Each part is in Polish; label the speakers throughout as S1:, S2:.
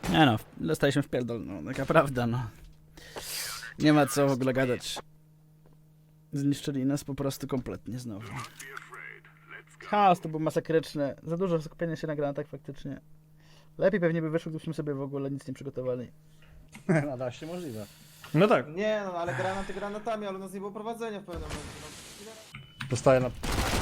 S1: Nie no, dostaliśmy w pierdol, no taka prawda, no. Nie ma co w ogóle gadać. Zniszczyli nas po prostu kompletnie znowu. Chaos to był masakryczny. Za dużo skupienia się na granatach faktycznie. Lepiej pewnie by wyszło, gdybyśmy sobie w ogóle nic nie przygotowali.
S2: Nada się możliwe.
S3: No tak.
S4: Nie no, ale granaty granatami, ale u nas nie było prowadzenia w pewnym momencie.
S2: Dostaję na...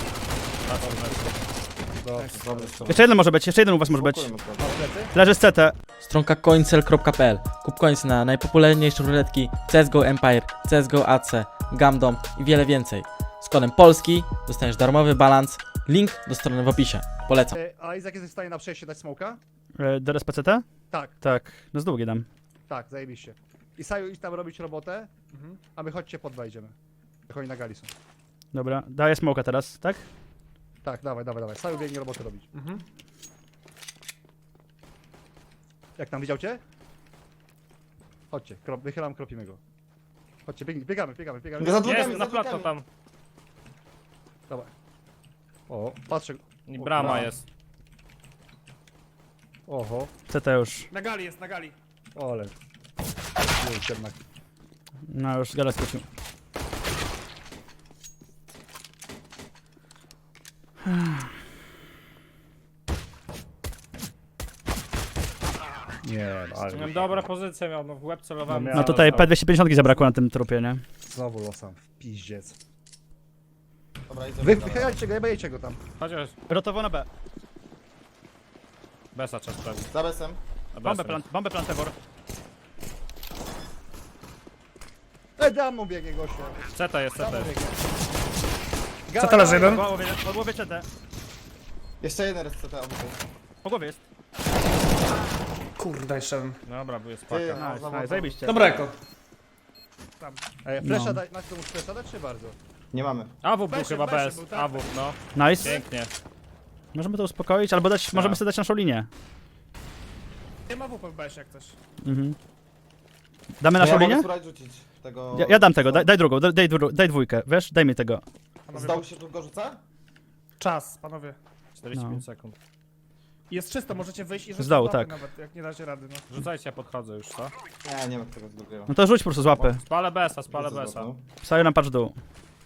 S1: Jeszcze jeden może być, jeszcze jeden u was może być. Leży z CT.
S5: Stronka coincel.pl. Kup coins na najpopularniejsze ruletki CSGO Empire, CSGO AC, Gamdom i wiele więcej. Z kodem polski dostaniesz darmowy balans. Link do strony w opisie. Polecam.
S2: A Izak jesteś w stanie na przejście dać smoka?
S1: DRS PCT?
S2: Tak,
S1: Tak, no z długie dam.
S2: tak, zajebiście. I Saju idź tam robić robotę, a my chodźcie po dwa idziemy. Jak oni na gali są.
S1: Dobra, daję smoka teraz, tak?
S2: Tak, dawaj, dawaj, dawaj. Saju biegnie robotę robić. Jak tam, widział cię? Chodźcie, wychylam, kropimy go. Chodźcie, biegamy.
S4: Za dwójkami,
S3: Jest,
S4: za
S3: na plato
S4: dwójkami.
S3: tam.
S2: Dawaj. O, patrzę.
S3: I brama
S4: Dobra.
S3: jest.
S2: Oho,
S1: CT już.
S3: Na gali jest, na gali.
S2: ole. Już jednak.
S1: No już gala skoczył.
S2: Nie, no, ale...
S3: Miałem dobre pozycje, miał no w łeb celowałem.
S2: No
S1: No tutaj P250 zabrakło na tym trupie, nie?
S2: Znowu losam, w piździec.
S4: Dobra, idę.
S2: Wychylajcie go, jebajcie go tam.
S3: Chociaż
S1: Rotowo na B.
S3: Besa trzeba sprawić.
S4: Za besem.
S3: A
S1: Bombę,
S3: besa
S1: bombę plantewor.
S2: Dam mu biegnie gościu.
S3: Ceta jest, ceta jest.
S2: Co to leży jeden?
S1: Po głowie CT.
S4: Jeszcze jeden raz CT obok.
S1: Po głowie jest.
S3: Kurde, jeszcze. Dobra, bo jest paka.
S4: Ty,
S1: Nice, zajebiście.
S3: Dobra, jako.
S2: Flesza
S1: No.
S2: dać, masz komuś flesza dać, czy bardzo?
S4: Nie mamy.
S3: AWP był chyba bez. AWP, no.
S1: Nice.
S3: Pięknie.
S1: Możemy to uspokoić, albo dać, możemy sobie dać naszą linię.
S3: Nie ma WP w BS jak coś.
S1: Mhm. Damy naszą
S4: ja mogę
S1: linię?
S4: spróbować rzucić tego...
S1: Ja dam tego, daj drugą, daj dwójkę, wiesz? Daj mi tego.
S4: Zdał się, tu go rzuca?
S6: Czas, panowie.
S3: 45
S1: No.
S3: sekund.
S6: Jest czysto, możecie wyjść i rzucić
S1: Z dołu,
S6: łapy
S1: tak.
S6: nawet, jak nie dacie rady, no.
S3: Rzucajcie, ja podchodzę już, co?
S4: Nie ma tego z drugiego.
S1: No to rzuć po prostu z łapy.
S3: Spalę besa, spalę besa.
S1: Psają nam patrz w dół.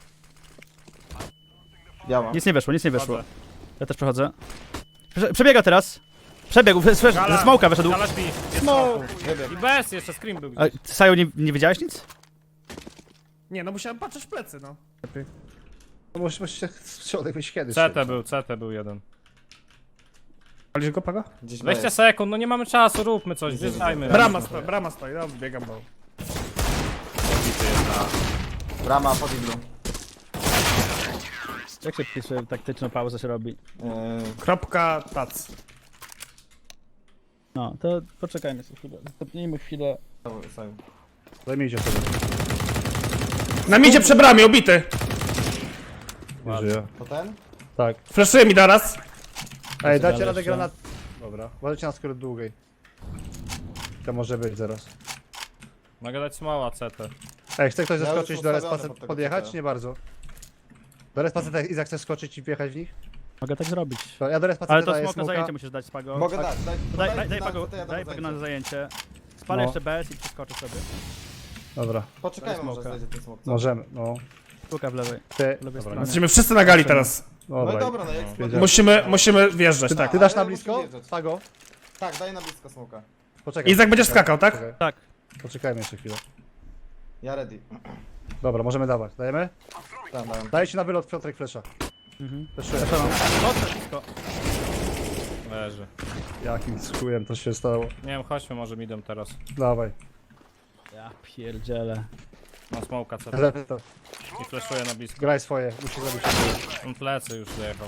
S4: Ja mam.
S1: Nic nie wyszło, nic nie wyszło.
S3: Chodzę.
S1: Ja też przechodzę. Przebiega teraz. Przebiegł, ze smoka wyszedł.
S3: Gala śpi.
S4: Wybieg.
S3: I bez, jeszcze scream był
S1: A,
S3: gdzieś.
S1: Saju, nie widziałeś nic?
S6: Nie, no musiałem patrzeć w plecy, no.
S2: No musicie w środek wyjść kiedyś.
S3: CT był jeden.
S6: Palisz go, Pago?
S4: Gdzieś
S3: 20
S4: jest.
S3: sekund, no nie mamy czasu, róbmy coś, wjeżdżajmy.
S6: Brama stoi, no biegam, bo...
S4: Brama pod iglu.
S1: Jak się pisze, taktyczną pauzę się robi?
S6: Kropka, tac.
S1: No, to poczekajmy sobie chwilę. Stopnijmy chwilę.
S2: Zajmijcie sobie.
S6: Na midzie przy bramie, obity.
S2: Nie żyje.
S4: To ten?
S2: Tak.
S6: Fleszuje mi teraz.
S2: Ej, dacie
S1: dalej
S2: radę
S1: jeszcze.
S2: granat. Dobra, uważajcie na skrót długiej. To może być zaraz.
S3: Mogę dać smoła CT.
S2: Ej, chce ktoś
S4: Ja
S2: zaskoczyć
S4: już
S2: do
S4: ustawiony
S2: respacet
S4: pod tego
S2: podjechać?
S4: CT.
S2: Nie bardzo. Do respacet Izak chce skoczyć i wjechać w nich?
S1: Mogę tak zrobić.
S2: To ja do respacet
S1: Ale to
S2: daję
S1: smok na
S2: smoka.
S1: zajęcie musisz dać, Spago.
S4: Mogę dać,
S1: Daj Pago,
S4: CT, ja
S1: daj
S4: dam
S1: Pago na
S4: zajęcie.
S1: zajęcie. Spalę
S2: No.
S1: jeszcze BS i przeskoczę sobie.
S2: Dobra,
S4: Poczekajmy,
S1: Daj
S4: może
S1: smoka.
S4: znajdzie ten smok. co?
S2: możemy, no.
S1: Sztuka w lewej.
S2: Ty,
S1: lewej
S2: dobra,
S1: stronie.
S6: Jesteśmy wszyscy na gali teraz.
S4: No i
S2: dobra.
S4: dobra, no jak
S2: Wiedziałem.
S6: Musimy wjeżdżać, tak.
S2: Ty dasz na
S4: ale
S2: blisko?
S4: musi wjeżdżać.
S2: Pago?
S4: Tak, daj na blisko smoka.
S2: Poczekaj.
S6: Izak będziesz skakał, tak?
S2: Poczekaj.
S1: Tak.
S2: Poczekajmy jeszcze chwilę.
S4: Ja ready.
S2: Dobra, możemy dawać. Dajemy?
S4: Tak, dałem.
S2: Dajcie na wylot Piotrek Flesza.
S1: Mhm.
S2: Fleszuję.
S1: Mocno blisko.
S3: Leży.
S2: Jakim chujem to się stało?
S3: Nie wiem, chodźmy, może midem teraz.
S2: Dawaj.
S1: Ja pierdzielę.
S3: Mam smoka CT
S2: Lepiej to.
S3: i flashuję na blisko.
S2: Graj swoje, musi zrobić.
S3: On plecy już dojechał.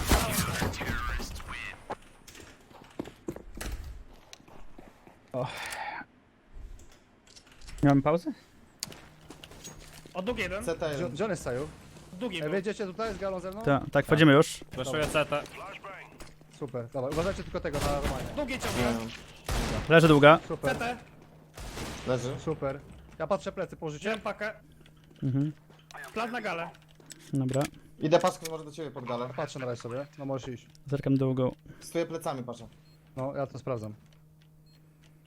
S1: Nie mamy pauzy?
S6: O, długi jeden.
S4: CT1.
S2: Gdzie on jest Saju?
S6: Długi
S2: Ej,
S6: był.
S2: wiedziecie tutaj z galą ze mną?
S1: Tak, wchodzimy już.
S3: Flashuję CT.
S2: Super, dobra. Uważajcie tylko tego na Romanie.
S6: Długi ciągle.
S1: Leży długa.
S2: Super,
S6: CT.
S4: Leży.
S2: super. Ja patrzę plecy, położycie?
S6: Wziąłem pakę.
S1: Mhm.
S6: Plan na galę.
S1: Dobra.
S4: Idę paczką może do ciebie pod galę.
S2: Patrzę na razie sobie. No możesz iść.
S1: Zerkam długą.
S4: Stoję plecami, patrzę.
S2: No, ja to sprawdzam.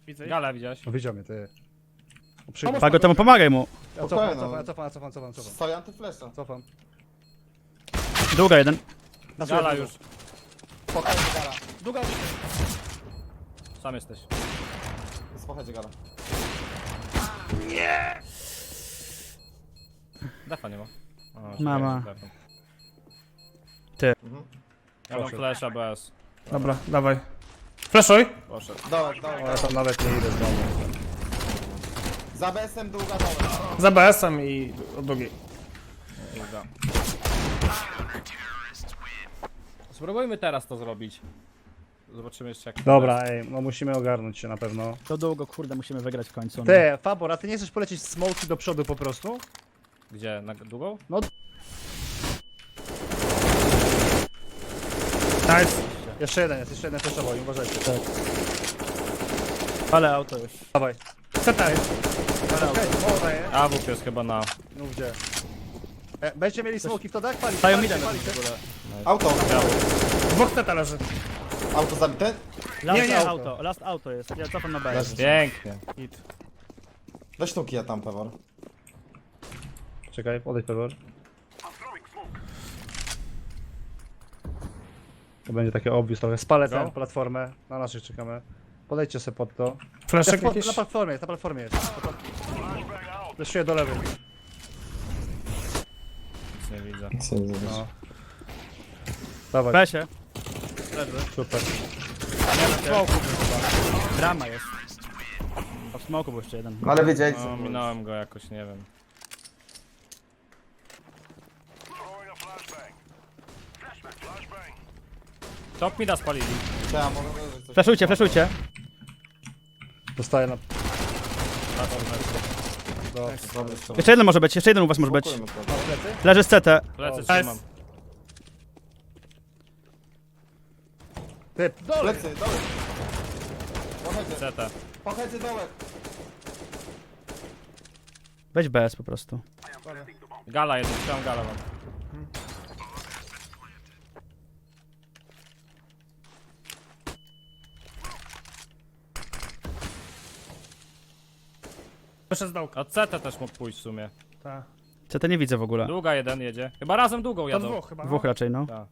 S6: Widzę. Gala widziałeś.
S2: No widział mnie, ty.
S1: Pago, temu pomagaj mu.
S2: Ja cofam.
S4: Stoję antyflesza.
S2: Cofam.
S1: Długa jeden.
S6: Gala już.
S4: Spokojnie gala.
S6: Długa. Sam jesteś.
S4: Spokojnie gala.
S6: Defa nie ma.
S1: Mama.
S6: Ja mam flasha bez.
S3: Dobra, dawaj. Flashuj.
S6: Poszedł.
S4: Dołek.
S2: Ja tam nawet nie idę znowu.
S4: Za BS-em długa dołek.
S3: Za BS-em i od drugiej.
S6: Długa. Spróbujmy teraz to zrobić. Zobaczymy jeszcze jak.
S2: Dobra, ej, no musimy ogarnąć się na pewno.
S1: To długo, kurde, musimy wygrać w końcu.
S2: Ty, Fabor, a ty nie chcesz polecieć smoki do przodu po prostu?
S6: Gdzie? Na długą?
S3: Nice.
S2: Jeszcze jeden flashował, uważajcie. Tak.
S1: Ale auto już.
S2: Dawaj.
S3: CT jest.
S6: A WP jest chyba na.
S2: No gdzie? Będziecie mieli smoki w to, tak? Palić,
S1: Stają
S2: palić,
S1: midem
S2: palić.
S1: w ogóle.
S4: Auto.
S3: Dwóch CT leży.
S4: Auto zabite?
S1: Last
S3: nie,
S1: auto, last auto jest. Ja cofam na B.
S4: Leży.
S6: Pięknie.
S4: Do sztuki ja tam, Pewor.
S2: Czekaj, odejdź Pewor. To będzie takie obvious trochę. Spalę tę platformę, na naszych czekamy. Podejdźcie sobie pod to.
S3: Flashek
S2: Na
S3: jakiś?
S2: platformie jest. Leszuję do lewej.
S6: Nic nie widzę.
S2: No. Dawaj,
S1: Besie.
S2: super.
S1: Drama jest. A w smoku był jeszcze jeden.
S4: Ale wiedzieli
S6: No, minąłem go jakoś, nie wiem. Top mida spalili.
S4: Ja mogę wyjrzeć coś.
S1: Flashujcie.
S2: Dostaję na...
S4: Dobry strzał.
S1: Jeszcze jeden może być, jeszcze jeden u was może być.
S4: Spokojmy to.
S1: Leży z CT.
S6: Plecy
S3: Nice.
S6: trzymam.
S2: Ty, dole!
S4: Plecy, dołek. Pochodzę,
S6: CT.
S4: pochodzę dołek.
S1: Weź BS po prostu.
S6: Gala jeden, trzymam gala mam.
S3: Wyszedł z dołka.
S6: A CT też mógł pójść w sumie.
S3: Tak.
S1: CT nie widzę w ogóle.
S6: Długa jeden jedzie. Chyba razem długą
S3: To
S6: jadą.
S3: dwóch chyba.
S1: Dwóch raczej, no.
S6: Tak.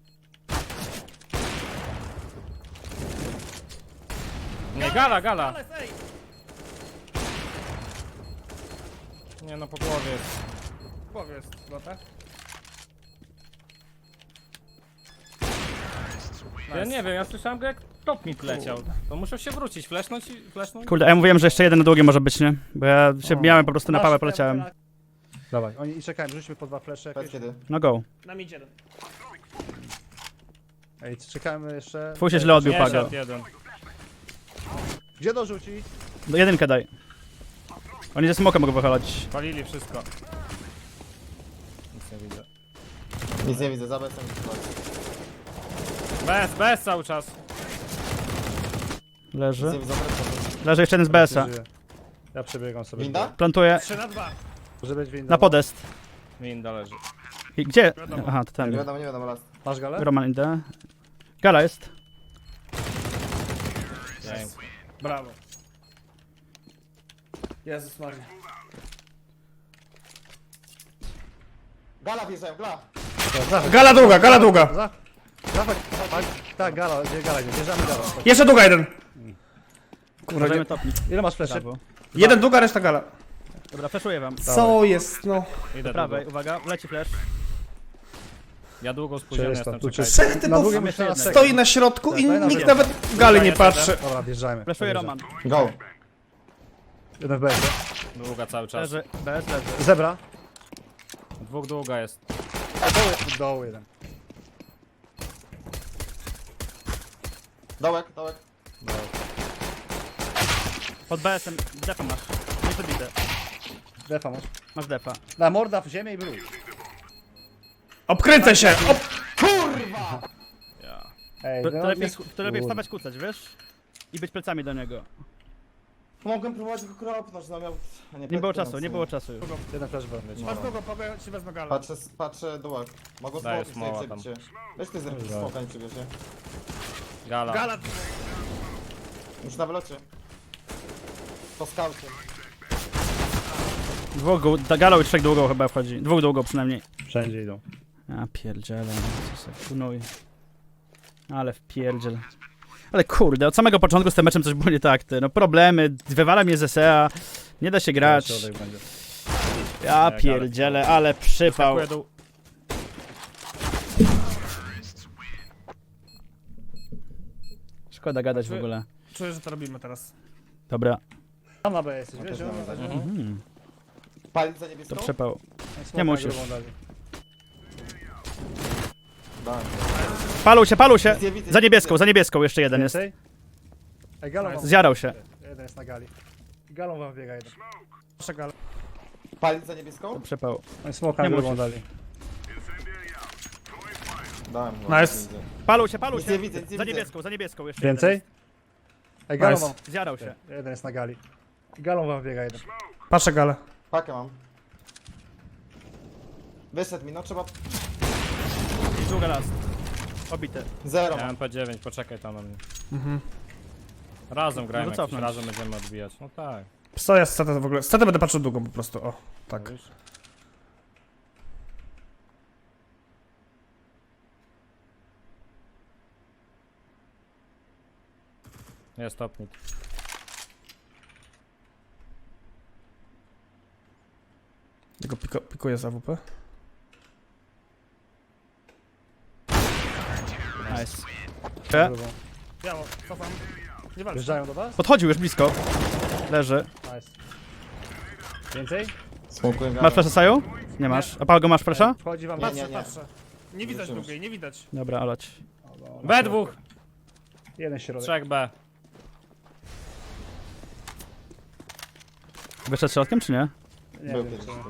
S6: Nie, gala. Nie no, po głowie jest.
S3: W głowie jest chyba, tak?
S6: Ja nie wiem, ja słyszałem go jak top mi leciał. To muszę się wrócić, flashnąć i flashnąć.
S1: Kurde, a ja mówiłem, że jeszcze jeden na długie może być, nie? Bo ja się miałem po prostu na pałę, poleciałem.
S2: Dawaj, oni i czekajmy, rzućmy po dwa flesze
S4: Powiedz
S2: jakieś.
S4: kiedy.
S1: No go.
S3: Na mid jeden.
S2: Ej, czekajmy jeszcze.
S1: Twój się źle odbił,
S6: Nie,
S1: Pago.
S6: szedł jeden.
S2: Gdzie dorzucić?
S1: Do jedynkę daj. Oni ze smoka mogą wychylać.
S6: Palili wszystko. Nic nie widzę.
S4: Nic nie widzę, za BS-em.
S6: Bez cały czas.
S4: Nic
S1: Leży.
S4: nie widzę, wracam.
S1: Leży jeszcze jeden z BS-a.
S2: Żyje. Ja przebiegam sobie.
S4: Winda?
S1: Plantuję
S3: 3-2.
S2: Może być winda.
S1: na podest.
S6: Winda leży.
S1: I gdzie? Aha, to
S4: Nie
S1: ten.
S4: wiadomo, last.
S2: Masz galę?
S1: Roman idę. Gala jest.
S6: Pięknie.
S3: Brawo. Jezus Maria.
S4: Gala wjeżdżają, gala.
S3: Gala długa.
S2: Dawaj, tak, gala, gdzie gala idzie? Bierzemy galę.
S3: Jeszcze długa jeden. Kurde,
S1: Możemy
S3: nie.
S1: topnić.
S2: Ile masz fleszy?
S1: Brawo.
S3: Jeden długa, reszta gala.
S1: Dobra, flashuję wam.
S3: Co jest, no.
S6: Idę
S1: Do prawej,
S6: długo.
S1: uwaga, leci flash.
S6: Ja długo spóźniony
S2: Czysto,
S6: jestem,
S2: tu
S6: czekajcie.
S2: czysto.
S3: Trzech
S2: Na
S3: typów
S2: drugim
S1: jeszcze
S2: jeszcze
S1: jednego.
S3: stoi na środku i
S2: Daj na
S3: nikt
S2: drugą.
S3: nawet w gali nie patrzy.
S2: Dobra, wjeżdżajmy.
S1: Flashuję Roman.
S4: Go.
S2: Jeden w BS.
S6: Długa cały czas.
S1: Leży, BS leży.
S2: Zebra.
S6: Dwóch długa jest.
S2: Doł jeden.
S4: Dołek.
S1: Pod BS-em defa masz. Nie zabite.
S2: Defa masz.
S1: Masz defa.
S2: Na morda w ziemię i wróć.
S3: Obkręcę się!
S6: Ja.
S2: Ej,
S1: To,
S2: no,
S1: to, lepiej,
S2: nie-
S1: to lepiej wstawać, kucać, wiesz? I być plecami do niego.
S4: Mogłem próbować go kropnąć, no miał... a
S1: Nie było czasu, nie było czasu już.
S2: Jeden flash B.
S3: Masz długą, powiem ci wezmę galę.
S4: Patrzę dołek. Mogą
S6: Daję
S4: smoki
S6: smoła
S4: sobie
S6: tam.
S4: przebicie. Weź ty zrób smoka, nie przybierze.
S6: Gala.
S3: Gala.
S4: Już na wylocie. Po skaucie.
S1: Dwóch galą i trzech długą chyba wchodzi. Dwóch długą przynajmniej.
S2: Wszędzie idą.
S1: A pierdziele, no, co se kunuj. Ale wpierdziel. Ale kurde, od samego początku z tym meczem coś było nie tak, ty. No problemy, wywala mnie z SEA, nie da się grać.
S2: Środek będzie.
S1: Ja pierdzielę, ale przypał.
S6: Skakuję dół.
S1: Szkoda gadać w ogóle.
S3: Czuję, że to robimy teraz.
S1: Dobra,
S2: Tam na B jesteś, wiesz?
S4: Palić za niebieską?
S1: to przepał.
S2: Smoka
S1: musisz.
S2: grubą dali.
S4: Dałem.
S1: Palą się!
S4: Widzę, widzę,
S1: Za niebieską jeszcze jeden jest.
S2: Więcej? Ej, galą wam...
S1: Zjarał się.
S2: Jeden jest na gali. Galą wam biega jeden.
S3: Proszę gal.
S4: Palić za niebieską?
S1: To przepał.
S2: Oni smoka
S1: Nie
S2: grubą
S1: musisz.
S2: dali.
S4: Dałem.
S3: Nice.
S1: Palą
S4: Nic
S1: się.
S4: nie widzę, nic nie
S1: Za niebieską jeszcze
S2: Więcej? Ej, galą
S3: Nice.
S2: wam...
S1: jeden. Zjarał się.
S2: Jeden jest na gali. Galą wam biega jeden.
S3: Patrzę galę.
S4: Pakę mam. Wyszedł mi, no trzeba...
S1: I długa last. Obite.
S4: Zero
S6: Ja
S4: mam.
S6: MP9, poczekaj tam na mnie.
S3: Mhm.
S6: Razem grajmy,
S1: No to
S6: jakoś
S1: cofnąć.
S6: razem będziemy odbijać. No tak.
S3: Stoję z CT w ogóle. Z CT będę patrzył długo po prostu, o. Tak.
S6: Widzisz? Jest topnik.
S3: Tylko pikuję z AWP.
S1: Nice.
S2: Grubą.
S3: Biało, cofam. Nie walcz.
S2: Wjeżdżają do was?
S1: Podchodził już blisko. Leży.
S2: Nice. Więcej?
S4: Smokuję
S1: Masz flasha Saju? Nie masz. A Pago masz flasha?
S2: Wchodzi wam...
S4: Nie,
S3: Patrzę,
S4: nie, nie.
S3: patrzę. Nie widać
S4: Zobaczymy.
S3: długiej, nie widać.
S1: Dobra, olać.
S6: B2!
S2: Jeden środek.
S6: 3B.
S1: Wyszedł środkiem czy nie?
S2: Nie
S4: Był
S2: wiem,
S4: kiedyś.
S2: co.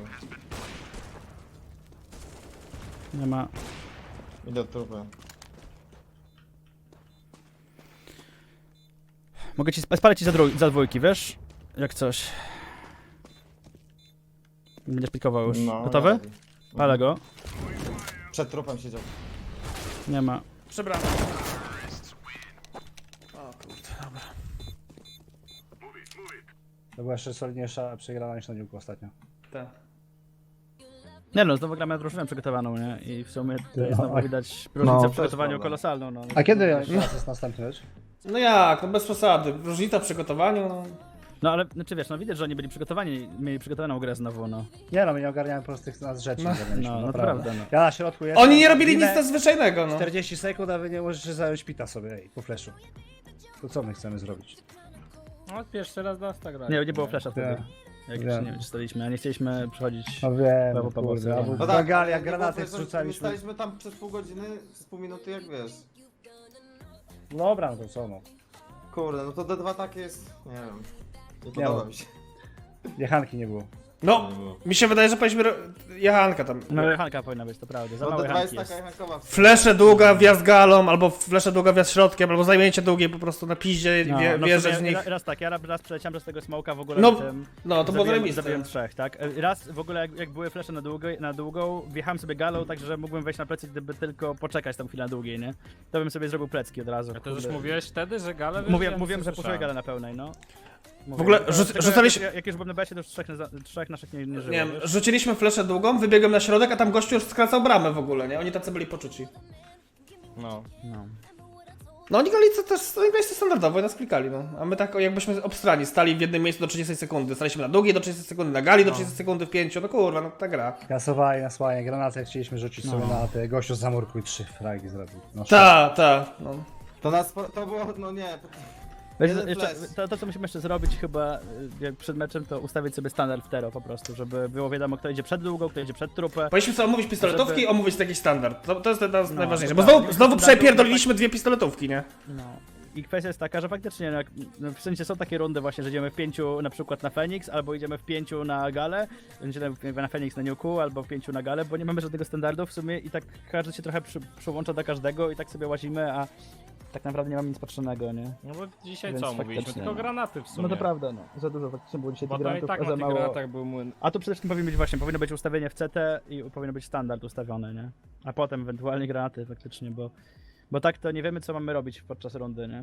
S1: Nie ma.
S4: Idę od trupy.
S1: Mogę ci spalić ci za dwójki, wiesz? Jak coś. Będziesz pikował już.
S4: No,
S1: Gotowy?
S4: ja-
S1: Palę go.
S4: Przed trupem siedział.
S1: Nie ma.
S3: Przebrany.
S2: To była jeszcze solidniejsza przegrana niż na niuku ostatnio.
S3: Tak.
S1: Nie no, znowu gramy drużynę przygotowaną, nie? I w sumie tutaj
S2: No,
S1: znowu
S2: a-
S1: widać różnicę
S4: też
S1: w przygotowaniu
S4: prawda.
S1: kolosalną. No.
S2: A kiedy jest następny mecz?
S3: No jak, no bez przesady. Różnica w przygotowaniu, no.
S1: No ale, znaczy wiesz, no widać, że oni byli przygotowani, mieli przygotowaną grę znowu, no.
S2: Nie no, my nie ogarniamy prostych nas rzeczy.
S3: No.
S2: nie ogarnialiśmy,
S1: No, no to
S2: naprawdę.
S1: prawda, no.
S2: Ja na środku jestem.
S3: Oni nie robili nic
S2: minę
S3: nadzwyczajnego, no.
S2: 40 sekund, a wy nie możecie zająć pita sobie, ej, po flashu. To co my chcemy zrobić?
S6: No pierwszy raz Dasta grać.
S1: Nie nie było flasha wtedy.
S2: Nie.
S1: Jak
S2: Wiem.
S1: jeszcze nie wiem, czy staliśmy, a nie chcieliśmy przechodzić.
S2: No wiem,
S1: Brawo, Paweł,
S2: kurde,
S1: serio.
S2: albo
S1: No
S4: No
S2: na gali, jak
S4: ale
S2: granaty
S4: nie było, że My
S2: zrzucaliśmy.
S4: staliśmy tam przez pół godziny, z pół minuty jak wiesz.
S2: Dobra, no to co no.
S4: Kurde, no to D2 takie jest... Nie wiem. Nie
S2: Nie
S4: podoba
S2: ma.
S4: mi się.
S2: Jechanki nie było.
S3: No, mi się wydaje, że powinniśmy... Jechanka tam.
S1: No Hanka powinna być, to prawda. Za
S4: No
S1: mały
S4: D2
S1: Hanki
S4: jest
S1: jest.
S4: taka jechankowa w sumie.
S3: Flesze długa, wjazd galą, albo flesze długa, wjazd środkiem, albo zajęcie długie po prostu na piździe,
S1: No,
S3: wjeżdżać
S1: w
S3: w
S1: sumie
S3: nich.
S1: Raz tak, ja raz przeleciałem przez tego smoka w ogóle
S3: No,
S1: na tym.
S3: No, to było zajebiste.
S1: Zabiłem trzech, tak? Raz w ogóle jak były flesze na długą, wjechałem sobie galą, tak że mógłbym wejść na plecy, gdyby tylko poczekać tam chwilę na długiej, nie? To bym sobie zrobił plecki od razu.
S6: A to już
S1: kurde.
S6: mówiłeś wtedy, że galę
S1: Mówiłem, że puszuję galę na pełnej, no. Mówię.
S3: W ogóle
S1: Tylko
S3: rzucaliśmy-
S1: Jak już byłem na besie, to już trzech naszych nie żyło.
S3: Nie wiem,
S1: wiesz?
S3: rzuciliśmy fleszę długą, wybiegłem na środek, a tam gościu już skracał bramę w ogóle, nie? Oni tacy byli poczuci.
S6: No.
S1: No.
S3: No oni grali to też oni grali standardowo i nas klikali, no. A my tak jakbyśmy obstrani, stali w jednym miejscu do 30 sekundy. Staliśmy na długiej do 30 sekundy, na gali do 30 sekundy, w 5, no kurwa, no ta gra.
S2: Kasowali nas ładnie, granaty jak chcieliśmy rzucić
S1: No.
S2: sobie na te gościu z zamurku i 3 fragi zrobił. No,
S3: No.
S4: To nas... To było... No nie...
S1: Wiesz,
S4: Jeden
S1: jeszcze,
S4: flash.
S1: to co musimy jeszcze zrobić chyba jak przed meczem, to ustawić sobie standard w tero po prostu, żeby było wiadomo kto idzie przed długą, kto idzie przed trupę.
S3: Powinniśmy sobie omówić pistoletówki
S1: Żeby-
S3: i omówić jakiś standard. To jest najważniejsze,
S1: to
S3: bo
S1: tak.
S3: znowu
S1: Standardowo
S3: przepierdoliliśmy dwie pistoletówki, nie?
S1: No. I kwestia jest taka, że faktycznie no, w sensie są takie rundy właśnie, że idziemy w 5 na przykład na Fenix, albo idziemy w 5 na Galę, idziemy na Fenix na Nuku, albo w 5 na Galę, bo nie mamy żadnego standardu w sumie i tak każdy się trochę przyłącza do każdego i tak sobie łazimy, a tak naprawdę nie mamy nic patrzonego, nie?
S6: No bo dzisiaj
S1: Więc
S6: co mówiliśmy?
S1: faktycznie,
S6: Tylko
S1: no.
S6: granaty w sumie.
S1: No to prawda, no. Za dużo faktycznie było dzisiaj
S6: Bo
S1: tych
S6: to i
S1: granatów,
S6: tak
S1: a
S6: na
S1: za
S6: tych
S1: mało...
S6: granatach był młyn.
S1: A tu przede wszystkim powinno być ustawienie w CT i powinno być standard ustawiony, nie? A potem ewentualnie granaty faktycznie, bo tak to nie wiemy co mamy robić podczas rundy, nie?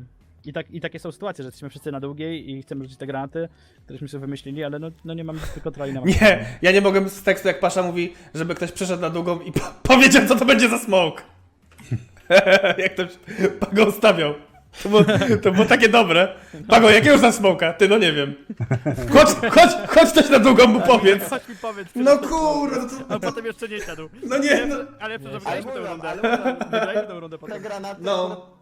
S1: I takie są sytuacje, że jesteśmy wszyscy na długiej i chcemy rzucić te granaty, któreśmy sobie wymyślili, ale no nie mamy kontroli na
S3: Nie, ja nie mogłem z tekstu, jak Pasza mówi, żeby ktoś przyszedł na długą i powiedział, co to będzie za smoke. Jak ktoś Pago ustawiał. To było takie dobre. Pago, jakiego za smoka? Ty, no nie wiem. Chodź ktoś na długą mu powiedz.
S1: Chodź mi powiedz,
S3: No kurde, no to...
S1: a potem jeszcze nie siadł.
S3: No nie, no.
S1: Ale
S4: Ale
S1: przepraszam,
S4: mówię,
S1: tę rundę.
S4: ale mówię,
S1: Wygrajmy tę rundę
S4: te
S1: potem.
S4: granaty
S3: No.
S4: akurat